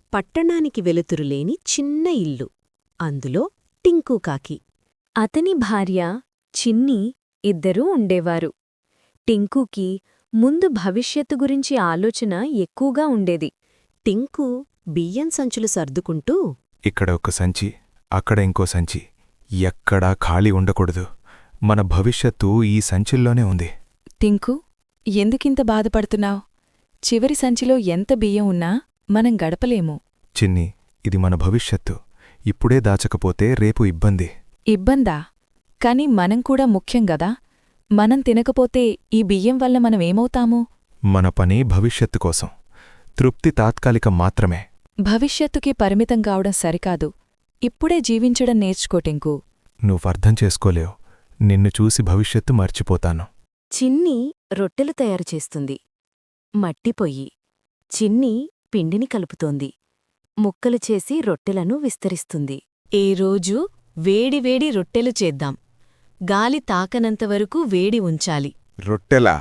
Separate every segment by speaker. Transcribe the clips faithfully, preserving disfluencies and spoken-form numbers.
Speaker 1: పట్టణానికి వెలుతురులేని చిన్న ఇల్లు. అందులో టింకు కాకి,
Speaker 2: అతని భార్య చిన్ని ఇద్దరూ ఉండేవారు. టింకుకి ముందు భవిష్యత్తు గురించి ఆలోచన ఎక్కువగా ఉండేది.
Speaker 1: టింకు బియ్యం సంచులు సర్దుకుంటూ,
Speaker 3: ఇక్కడ ఒక సంచి, అక్కడ ఇంకో సంచి, ఎక్కడా ఖాళీ ఉండకూడదు. మన భవిష్యత్తు ఈ సంచుల్లోనే ఉంది.
Speaker 4: టింకు, ఎందుకింత బాధపడుతున్నావ్? చివరి సంచిలో ఎంత బియ్యం ఉన్నా మనం గడపలేము.
Speaker 3: చిన్ని, ఇది మన భవిష్యత్తు. ఇప్పుడే దాచకపోతే రేపు ఇబ్బంది.
Speaker 4: ఇబ్బందా? కాని మనం కూడా ముఖ్యం గదా. మనం తినకపోతే ఈ బియ్యం వల్ల మనమేమవుతాము?
Speaker 3: మన పని భవిష్యత్తు కోసం. తృప్తి తాత్కాలికం మాత్రమే.
Speaker 4: భవిష్యత్తుకి పరిమితం కావడం సరికాదు. ఇప్పుడే జీవించడం నేర్చుకో టింకు.
Speaker 3: నువ్వర్థం చేసుకోలేవు. నిన్ను చూసి భవిష్యత్తు మర్చిపోతాను.
Speaker 1: చిన్ని రొట్టెలు తయారుచేస్తుంది. మట్టిపొయ్యి. చిన్ని పిండిని కలుపుతోంది. ముక్కలు చేసి రొట్టెలను విస్తరిస్తుంది. ఏ రోజు వేడివేడి రొట్టెలు చేద్దాం. గాలి తాకనంతవరకు వేడి ఉంచాలి.
Speaker 5: రొట్టెలా?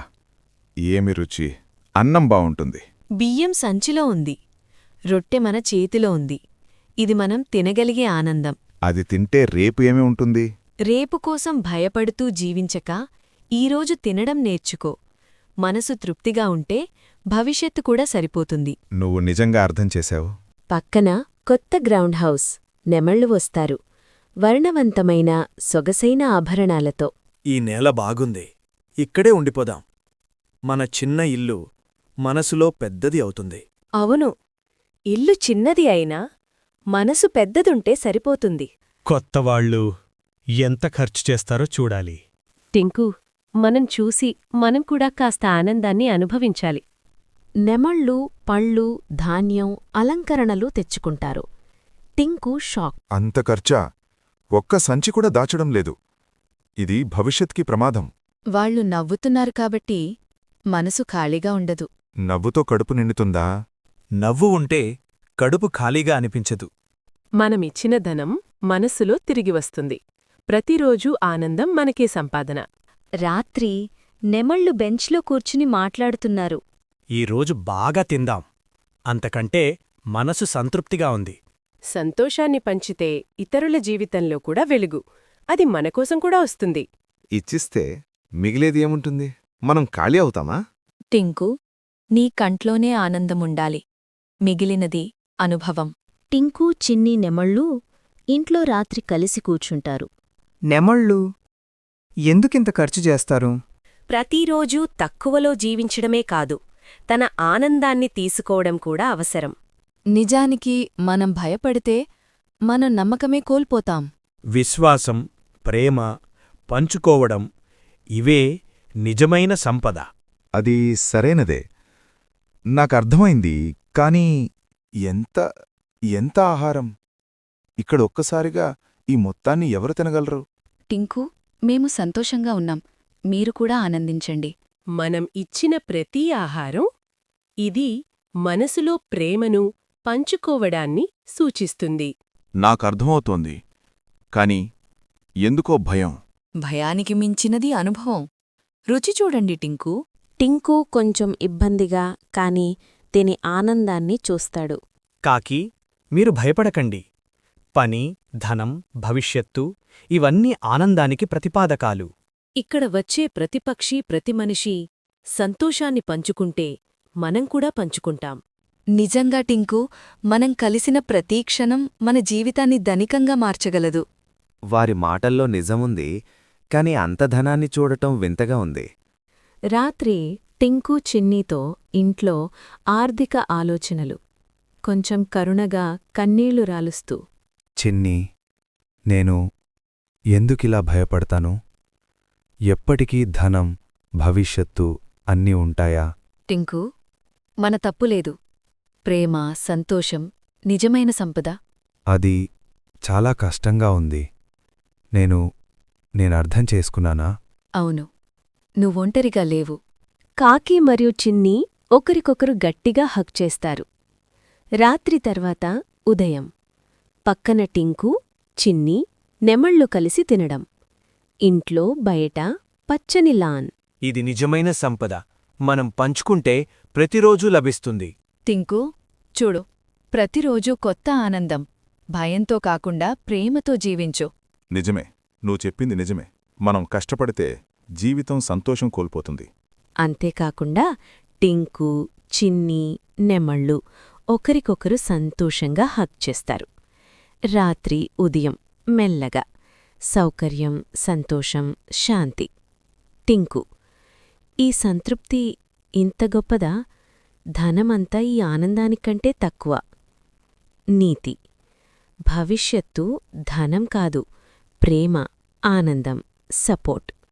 Speaker 5: ఏమి రుచి! అన్నం బావుంటుంది.
Speaker 1: బియ్యం సంచిలో ఉంది. రొట్టె మన చేతిలో ఉంది. ఇది మనం తినగలిగే ఆనందం.
Speaker 5: అది తింటే రేపు ఏమి ఉంటుంది?
Speaker 1: రేపుకోసం భయపడుతూ జీవించక ఈరోజు తినడం నేర్చుకో. మనసు తృప్తిగా ఉంటే భవిష్యత్తు కూడా సరిపోతుంది.
Speaker 5: నువ్వు నిజంగా అర్థం చేశావు.
Speaker 1: పక్కన కొత్త గ్రౌండ్ హౌస్. నెమళ్లు వస్తారు, వర్ణవంతమైన సొగసైన ఆభరణాలతో.
Speaker 6: ఈ నేల బాగుంది. ఇక్కడే ఉండిపోదాం. మన చిన్న ఇల్లు మనసులో పెద్దది అవుతుంది.
Speaker 2: అవును, ఇల్లు చిన్నది అయినా మనసు పెద్దదుంటే సరిపోతుంది.
Speaker 7: కొత్తవాళ్ళు ఎంత ఖర్చు చేస్తారో చూడాలి.
Speaker 2: టింకు, మనం చూసి మనం కూడా కాస్త ఆనందాన్ని అనుభవించాలి.
Speaker 1: నెమళ్ళు పళ్ళు, ధాన్యం, అలంకరణలు తెచ్చుకుంటారు. టింకు షాక్.
Speaker 5: అంత ఖర్చా? ఒక్క సంచి కూడా దాచడం లేదు. ఇది భవిష్యత్కి ప్రమాదం.
Speaker 4: వాళ్ళు నవ్వుతున్నారు కాబట్టి మనసు ఖాళీగా ఉండదు.
Speaker 5: నవ్వుతో కడుపు నిండుతుందా?
Speaker 6: నవ్వు ఉంటే కడుపు ఖాళీగా అనిపించదు.
Speaker 8: మనమిచ్చిన ధనం మనస్సులో తిరిగి వస్తుంది. ప్రతిరోజూ ఆనందం మనకే సంపాదన.
Speaker 2: రాత్రి నెమళ్ళు బెంచ్లో కూర్చుని మాట్లాడుతున్నారు.
Speaker 6: ఈరోజు బాగా తిందాం. అంతకంటే మనసు సంతృప్తిగా ఉంది.
Speaker 8: సంతోషాన్ని పంచితే ఇతరుల జీవితంలో కూడా వెలుగు. అది మనకోసం కూడా వస్తుంది.
Speaker 5: ఇచ్చిస్తే మిగిలేది ఏముంటుంది? మనం ఖాళీ అవుతామా?
Speaker 4: టింకు, నీ కంట్లోనే ఆనందముండాలి. మిగిలినది అనుభవం.
Speaker 1: టింకు, చిన్ని, నెమళ్ళు ఇంట్లో రాత్రి కలిసి కూర్చుంటారు.
Speaker 9: నెమళ్ళు ఎందుకింత ఖర్చు చేస్తారు?
Speaker 2: ప్రతిరోజూ తక్కువలో జీవించడమే కాదు, తన ఆనందాన్ని తీసుకోవడం కూడా అవసరం.
Speaker 4: నిజానికి మనం భయపడితే మనం నమ్మకమే కోల్పోతాం.
Speaker 6: విశ్వాసం, ప్రేమ, పంచుకోవడం ఇవే నిజమైన సంపద.
Speaker 5: అది సరైనదే. నాకర్థమైంది. కానీ ఎంత ఎంత ఆహారం! ఇక్కడ ఒక్కసారిగా ఈ మొత్తాన్ని ఎవరు తినగలరు?
Speaker 4: టింకు, మేము సంతోషంగా ఉన్నాం. మీరు కూడా ఆనందించండి.
Speaker 8: మనం ఇచ్చిన ప్రతి ఆహారం ఇది మనసులో ప్రేమను, పంచుకోవడాన్ని సూచిస్తుంది.
Speaker 5: నాకర్థమవుతోంది. కాని ఎందుకో భయం.
Speaker 4: భయానికి మించినది అనుభవం. రుచి చూడండి టింకు.
Speaker 1: టింకు కొంచెం ఇబ్బందిగా కాని తిని ఆనందాన్ని చూస్తాడు.
Speaker 6: కాకి, మీరు భయపడకండి. పని, ధనం, భవిష్యత్తు ఇవన్నీ ఆనందానికి ప్రతిపాదకాలు.
Speaker 8: ఇక్కడ వచ్చే ప్రతి పక్షి, ప్రతి మనిషి సంతోషాన్ని పంచుకుంటే మనం కూడా పంచుకుంటాం.
Speaker 4: నిజంగా టింకు, మనం కలిసిన ప్రతీ క్షణం మన జీవితాన్ని ధనికంగా మార్చగలదు.
Speaker 10: వారి మాటల్లో నిజముంది, కాని అంత ధనాన్ని చూడటం వింతగా ఉంది.
Speaker 1: రాత్రి టింకు చిన్నీతో ఇంట్లో ఆర్థిక ఆలోచనలు. కొంచెం కరుణగా కన్నీళ్లు రాలుస్తూ,
Speaker 3: చిన్ని, నేను ఎందుకిలా భయపడతాను? ఎప్పటికీ ధనం, భవిష్యత్తు అన్నీ ఉంటాయా?
Speaker 4: టింకు, మన తప్పులేదు. ప్రేమ, సంతోషం నిజమైన సంపద.
Speaker 3: అది చాలా కష్టంగా ఉంది. నేను నేనర్థం చేసుకున్నానా?
Speaker 4: అవును, నువ్వొంటరిగా లేవు.
Speaker 2: కాకి మరియు చిన్ని ఒకరికొకరు గట్టిగా హగ్ చేస్తారు. రాత్రి తర్వాత ఉదయం. పక్కన టింకు, చిన్ని, నెమళ్ళు కలిసి తినడం. ఇంట్లో బయట పచ్చని లాన్.
Speaker 6: ఇది నిజమైన సంపద. మనం పంచుకుంటే ప్రతిరోజూ లభిస్తుంది.
Speaker 4: టింకు, చూడు, ప్రతిరోజూ కొత్త ఆనందం. భయంతో కాకుండా ప్రేమతో జీవించు.
Speaker 5: నిజమే, నువ్వు చెప్పింది నిజమే. మనం కష్టపడితే జీవితం సంతోషం కోల్పోతుంది.
Speaker 2: అంతేకాకుండా టింకు, చిన్ని, నెమళ్ళు ఒకరికొకరు సంతోషంగా హగ్ చేస్తారు. రాత్రి ఉదయం మెల్లగా సౌకర్యం, సంతోషం, శాంతి. టింకు: ఈ సంతృప్తి ఇంత గొప్పదా? ధనమంతా ఈ ఆనందానికంటే తక్కువ. నీతి: భవిష్యత్తు ధనం కాదు, ప్రేమ, ఆనందం, సపోర్ట్.